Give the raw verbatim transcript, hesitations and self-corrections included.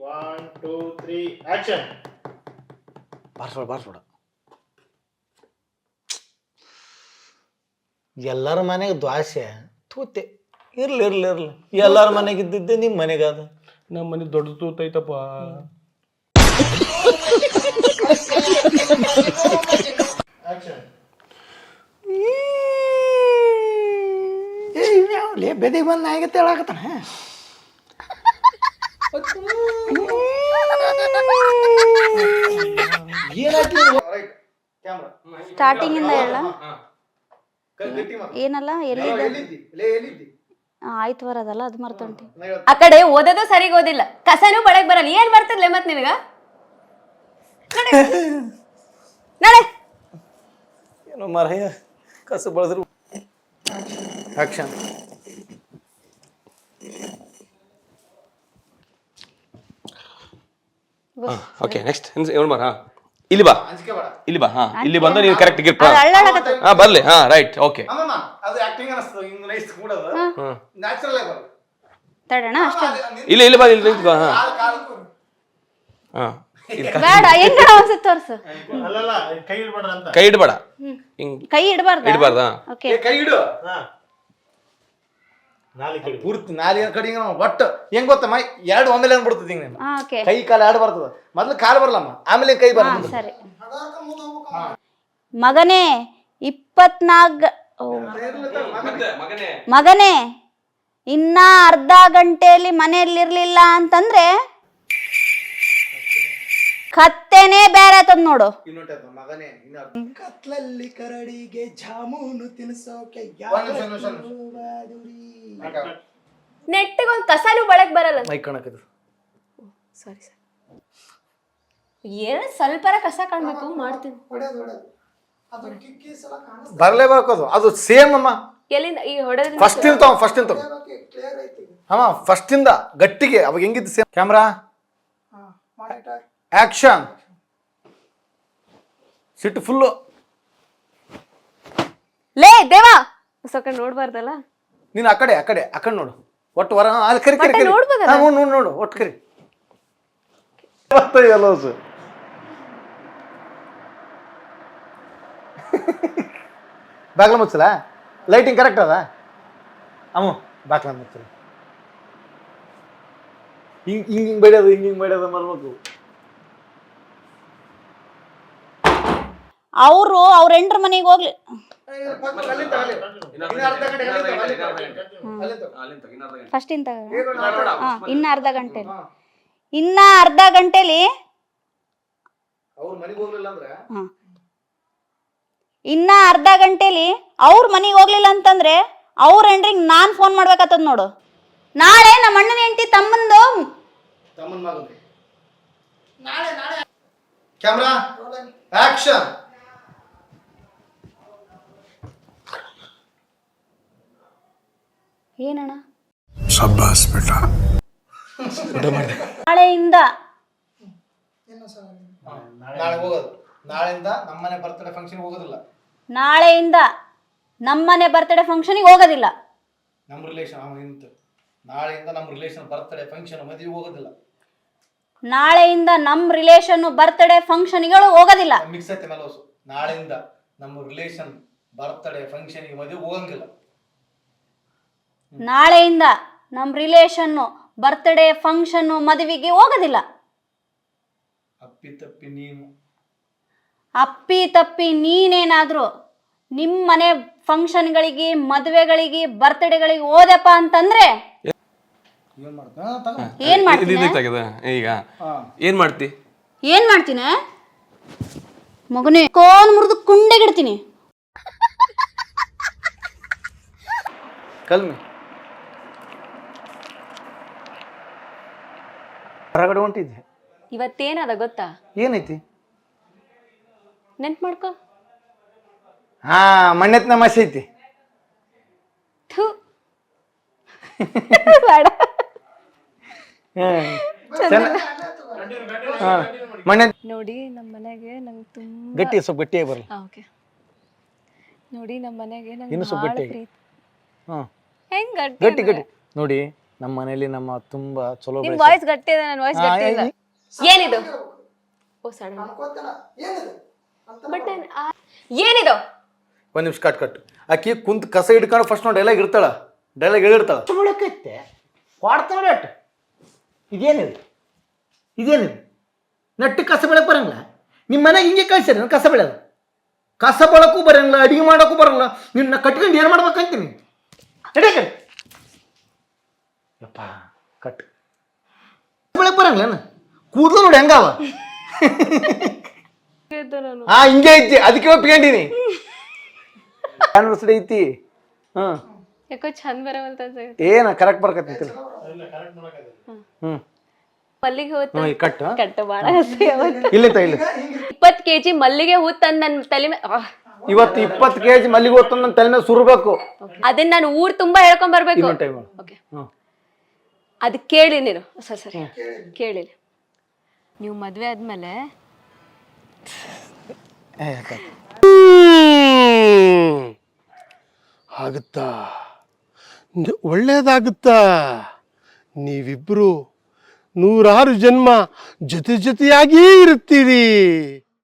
One two three action. ಬಾರ್ಸ್ಬೇಡ ಬಾರ್ಸ್ಬೇಡ. ಎಲ್ಲರ ಮನೆಗೆ ದ್ವಾಸೆ ತೂತೆ ಇರ್ಲಿ ಇರ್ಲಿ ಇರ್ಲಿ. ಎಲ್ಲರ ಮನೆಗೆ ಇದ್ದಿದ್ದೆ ನಿಮ್ಮ ಮನೆಗೆ ಅದು. ನಮ್ಮ ಮನೆ ದೊಡ್ಡ ತೂತ ಐತಪ್ಪ. ಆಕ್ಷನ್. ಲೇ ಬೆದಿಗೆ ಬಂದು ನಾಯಿಗೆ ಹೇಳಾಕತ್ತಾನ. ಸ್ಟಾರ್ಟಿಂಗ್ ಇಂದ ಹೇಳ. ಏನಲ್ಲ ಎಲ್ಲಿದ್ದೆ? ಆಯ್ತು ಬರೋದಲ್ಲ ಅದು ಮರ್ತೊಂಟಿ. ಆ ಕಡೆ ಓದೋದು ಸರಿಗ್ ಓದಿಲ್ಲ, ಕಸನೂ ಬಡಕ್ ಬರಲ್ಲ. ಏನ್ ಬರ್ತದ್ಲೆ ಮತ್ ನಿನಗ? ನಡೆ. ಏನೋ ಮರಯ್ಯ ಕಸ ಬಳದ್ರು. ಆಕ್ಷನ್. ಓಕೆ ನೆಕ್ಸ್ಟ್ ಏನು ಮಾರ ಇಲ್ಲಿ ಬಾ ಇಲ್ಲಿ ಬಾ. ಹಾ ಇಲ್ಲಿ ಬಂದು ನೀವು ಕರೆಕ್ಟ್ ಗಿರ್ಪ. ಹಾ ಬರ್ಲಿ. ಹಾ ರೈಟ್ ಓಕೆ. ಅದು ಆಕ್ಟಿಂಗ್ ಅನಿಸ್ತು. ಹಿಂಗ್ ನೈಸ್ ಕೂಡೋದು ನ್ಯಾಚುರಲ್ ಆಗಿ ಬರೋದು. ತಡಣ ಅಷ್ಟೇ. ಇಲ್ಲಿ ಇಲ್ಲಿ ಬಾ ಇಲ್ಲಿ ನಿಂತ್ಕೋ. ಹಾ ಹಾ ಬೇಡ ಹೆಂಗ ಅನ್ಸುತ್ತೆ ತೋರ್ಸು. ಅಲ್ಲಲ್ಲ ಕೈ ಇಡ್ಬೇಡ್ರ ಅಂತ. ಕೈ ಇಡಬೇಡ. ಹಿಂಗ್ ಕೈ ಇಡಬಾರ್ದ? ಇಡಬಾರ್ದ. ಓಕೆ ಕೈ ಇಡು. ಹಾ ನಾಲಿ ಕಡಿ ಪೂರ್ತಿ ನಾಲಿ ಕಡೆ ಒಟ್ಟು ಹೆಂಗ್ ಗೊತ್ತಮ್ಮ, ಎರಡು ಒಮ್ಮೆಲೆ ಅನ್ಬಿಡ್ತದೆ ಹಿಂಗ. ಹಾ ಓಕೆ. ಕೈ ಕಾಲು ಎರಡು ಬರ್ತದ. ಮೊದ್ಲು ಕಾಲು ಬರಲಮ್ಮ, ಆಮೇಲೆ ಕೈ ಬರ. ಸರಿ. ಮಗನೇ ಇಪ್ಪತ್ನಾಲ್ಕ ಮಗನೇ ಇನ್ನ ಅರ್ಧ ಗಂಟೆಯಲ್ಲಿ ಮನೆಯಲ್ಲಿರ್ಲಿಲ್ಲ ಅಂತಂದ್ರೆ ಕತ್ತೆನೇ ಬೇರೆ ಆತದ ನೋಡು. ಮಗನೇ ಕತ್ಲಲ್ಲಿ ಕರಡಿಗೆ ಜಾಮೂನು ತಿನ್ಸೋಕೆ ನೆಟ್ಟಿಗೆ ಒಂದ್ ಕಸನೂ ಬಡಕ್ ಬರಲ್ಲ. ಮೈ ಕಣಕದು. Sorry sir. ಏನ ಸ್ವಲ್ಪರ ಕಸ ಕಾಣ್ಬೇಕು ಮಾಡ್ತೀನಿ. ಬರ್ಲೇಬೇಕು ಅದು. ಅದು ಸೇಮ್ ಅಮ್ಮ. ಎಲ್ಲಿಂದ ಈ ಹೊಡೆದ? ಫಸ್ಟ್ ಇಂತ ಫಸ್ಟ್ ಇಂತ ಅಮ್ಮ ಫಸ್ಟ್ ಇಂದ ಗಟ್ಟಿಗೆ ಅವಾಗ ಹೆಂಗಿದ್ದು ಸೇಮ್. Camera action. ಸಿಟ್ಟು ಫುಲ್ಲು. ಲೇ ದೇವಾ ಸ್ವಲ್ಪ ನೋಡ್ಬಾರ್ದಲ್ಲ ನೀನು. ಆ ಕಡೆ ಆ ಕಡೆ ಆ ಕಡೆ ನೋಡು. ಒಟ್ಟು ವರ ಅಲ್ಲಿ ಕರಿ ಕರಿ ಕರಿ ನೋಡು ನೋಡು ನೋಡು ಒಟ್ಟು ಕರಿ. ಬಾಗ್ಲ ಮುಚ್ಚಲ. ಲೈಟಿಂಗ್ ಕರೆಕ್ಟ್ ಅದ ಅಮ್ಮ. ಬಾಗ್ಲ ಮುಚ್ಚಲ. ಹಿಂಗ್ ಹಿಂಗ್ ಹಿಂಗ್ ಬಡಿಯೋದು ಹಿಂಗ್ ಹಿಂಗ್ ಬಡಿಯೋದು ಮಾಡ್ಬೇಕು. ಅವರು ಅವ್ರ ಎಂಟ್ರ ಮನೆಗೆ ಹೋಗ್ಲಿ. ಫಸ್ಟ್ ಇಂತ ಇನ್ನ ಅರ್ಧ ಗಂಟೆಲಿ ಇನ್ನ ಅರ್ಧ ಗಂಟೆಲಿ ಇನ್ನ ಅರ್ಧ ಗಂಟೆಲಿ ಅವ್ರ ಮನೆಗೆ ಹೋಗ್ಲಿಲ್ಲ ಅಂತಂದ್ರೆ ಅವ್ರ ಹೆಂಡ್ರಿಗೆ ನಾನ್ ಫೋನ್ ಮಾಡ್ಬೇಕಾಗ್ತದ ನೋಡು. ನಾಳೆ ನಮ್ಮ ಅಣ್ಣನ ಹೆಂಡತಿ ತಮ್ಮಂದು ಕ್ಯಾಮ್ರಾ ಆಕ್ಷನ್. ಏನಣ್ಣ ಶಬ್ಬಾಸ್ ಬೇಟ. ನಾಳೆಯಿಂದ ನಾಳೆ ಹೋಗೋದು. ನಾಳೆಯಿಂದ ನಮ್ಮನೆ ಬರ್ತಡೇ ಫಂಕ್ಷನ್ ಹೋಗೋದಿಲ್ಲ. ನಾಳೆಯಿಂದ ನಮ್ಮನೆ ಬರ್ತಡೇ ಫಂಕ್ಷನ್ಗೆ ಹೋಗೋದಿಲ್ಲ. ನಮ್ಮ ರಿಲೇಷನ್ ಅವ ಇಂತ. ನಾಳೆಯಿಂದ ನಮ್ಮ ರಿಲೇಷನ್ ಬರ್ತಡೇ ಫಂಕ್ಷನ್ ಮದುವೆ ಹೋಗೋದಿಲ್ಲ. ನಾಳೆಯಿಂದ ನಮ್ಮ ರಿಲೇಷನ್ ಬರ್ತಡೇ ಫಂಕ್ಷನ್ಗಳು ಹೋಗೋದಿಲ್ಲ. ಮಿಕ್ಸ್ ಐತೆ ಮೇಲೆ ಹೊಸು. ನಾಳೆಯಿಂದ ನಮ್ಮ ರಿಲೇಷನ್ ಬರ್ತಡೇ ಫಂಕ್ಷನ್ಗೆ ಮದುವೆ ಹೋಗಂಗಿಲ್ಲ. ನಾಳೆಯಿಂದ ನಮ್ಮ ರಿಲೇಷನ್ನು ಬರ್ತ್ಡೇ ಫಂಕ್ಷನ್ನು ಮದುವೆಗೆ ಹೋಗೋದಿಲ್ಲ. ಅಪ್ಪಿ ತಪ್ಪಿ ನೀನು ಅಪ್ಪಿ ತಪ್ಪಿ ನೀನೇನಾದರೂ ನಿಮ್ಮ ಮನೆ ಫಂಕ್ಷನ್ಗಳಿಗೆ ಮದುವೆಗಳಿಗೆ ಬರ್ತ್ಡೇಗಳಿಗೆ ಹೋದಪ್ಪ ಅಂತಂದ್ರೆ ಏನ್ ಮಾಡ್ತೀನಿ? ಈಗ ಏನ್ ಮಾಡ್ತಿ? ಏನ್ ಮಾಡ್ತೀನಿ ಮಗನೇ? ಕೋನ್ ಮುರಿದು ಕುಂಡೆಗಿಡ್ತೀನಿ. ಕಲ್ಮಿ ಹೊರಗಡೆ ಹೊಂಟಿದ್ದೆ. ಇವತ್ತೇನದ ಗೊತ್ತಾ? ಏನೈತಿ? ನೆನ್ಪು ಮಾಡ್ಕೊ. ಹಾ ಮಣ್ಣೆತ್ನ ಮಸಿ ಐತಿ. ನೋಡಿ ನಮ್ಮ ಮನೆಗೆ ನಂಗೆ ತುಂಬಾ ಗಟ್ಟಿ ಸ್ವಲ್ಪ ಗಟ್ಟಿಯಾಗಿ ಬರಲ್ಲ. ಓಕೆ ನೋಡಿ ನಮ್ಮ ಮನೆಗೆ ನಂಗೆ ಇನ್ನು ಸ್ವಲ್ಪ ಭಾಳ ಗಟ್ಟಿಯಾಗಿ. ಪ್ರೀತಿ. ಹಾ ಹೆಂಗ್ ಗಟ್ಟಿ ಗಟ್ಟಿ ಗಟ್ಟಿ ನೋಡಿ ನಮ್ಮ ಮನೇಲಿ ನಮ್ಮ ತುಂಬಾ ಚಲೋ ನಿಮ್ ಬೆಳ್ಸ್ಯಾರ. ವಾಯ್ಸ್ ಗಟ್ಟಿ ಇದೆ, ನನ್ನ ವಾಯ್ಸ್ ಆ, ಗಟ್ಟಿ ಇಲ್ಲ. ಈ- ಏನಿದು ಓ ಸಡನ್ ಬಟ್ ಏನಿದು ಒಂದ್ ನಿಮಿಷ ಕಟ್ ಕಟ್ ಆಕಿ ಕುಂತ್ ಕಸ ಹಿಡ್ಕೊಂಡು ಫಸ್ಟ್ ನಾವು ಡೈಲಾಗ್ ಇರ್ತಾಳ ಡೈಲಾಗ್ ಹೇಳಿರ್ತಾಳ ಮುಳಕೈತೆ ಕೊಡ್ತಾಳ ನೆಟ್ ಇದೇನಿದು ಇದೇನಿದು ನೆಟ್ಟು ಕಸ ಬೆಳಕ್ ಬರಂಗಿಲ್ಲ ನಿಮ್ಮ ಮನೆಗೆ ಹಿಂಗೆ ಕಳ್ಸ್ಯಾರ ಕಸ ಬೆಳೆಯೋದು ಕಸ ಬಳಕ್ಕೂ ಬರಂಗಿಲ್ಲ ಅಡಿಗೆ ಮಾಡೋಕ್ಕೂ ಬರಂಗಿಲ್ಲ ನಿನ್ನ ಕಟ್ಕೊಂಡು ಏನು ಮಾಡ್ಬೇಕಂತೀನಿ ನಡಿಯಕ ಯಪ್ಪ ಕಟ್ ಬೆಳಕ್ ಬರಂಗಿಲ್ಲ ಕೂದಲು ನೋಡಿ ಹೆಂಗಾವ ಹಾ ಹಿಂಗೆ ಐತಿ ಅದಕ್ಕೆ ಒಪ್ಕೊಂಡಿನಿ ಆನಿವರ್ಸರಿ ಐತಿ ಹಾ ಯಾಕೋ ಚಂದ ಬರವಲ್ತ ಏನ ಕರೆಕ್ಟ್ ಬರ್ಕತ್ತಿ ಹ್ಮ್ ಮಲ್ಲಿಗೆ ಹೂ ಹ್ಮ್ ಕಟ್ ಕಟ್ಟ ಬಾಳ ಹಸಿ ಅವತ್ತು ಇಲ್ಲ ಇಲ್ಲ ಇಪ್ಪತ್ ಕೆಜಿ ಮಲ್ಲಿಗೆ ಹೂ ತಂದ್ ನನ್ ತಲೆ ಮೇಲೆ ಇವತ್ತು ಇಪ್ಪತ್ತು ಕೆಜಿ ಮಲ್ಲಿಗೆ ಹೊತ್ತು ನನ್ನ ತಲೆ ಮೇಲೆ ಸುರ್ಬೇಕು ಅದನ್ನ ನಾನು ಊರ್ ತುಂಬಾ ಹೇಳ್ಕೊಂಡ್ ಬರ್ಬೇಕು. ಇನ್ನೊಂದು ಟೈಮ್ ಓಕೆ ಹ್ಮ್ ಅದು ಕೇಳಿ ನೀನು ಸರಿ ಸರಿ ಕೇಳಿ ನೀವು ಮದ್ವೆ ಆದ್ಮೇಲೆ ಆಗುತ್ತಾ ನ- ಒಳ್ಳೇದಾಗುತ್ತಾ ನೀವಿಬ್ರು ನೂರಾರು ಜನ್ಮ ಜೊತೆ ಜೊತೆಯಾಗೇ ಇರುತ್ತೀರಿ.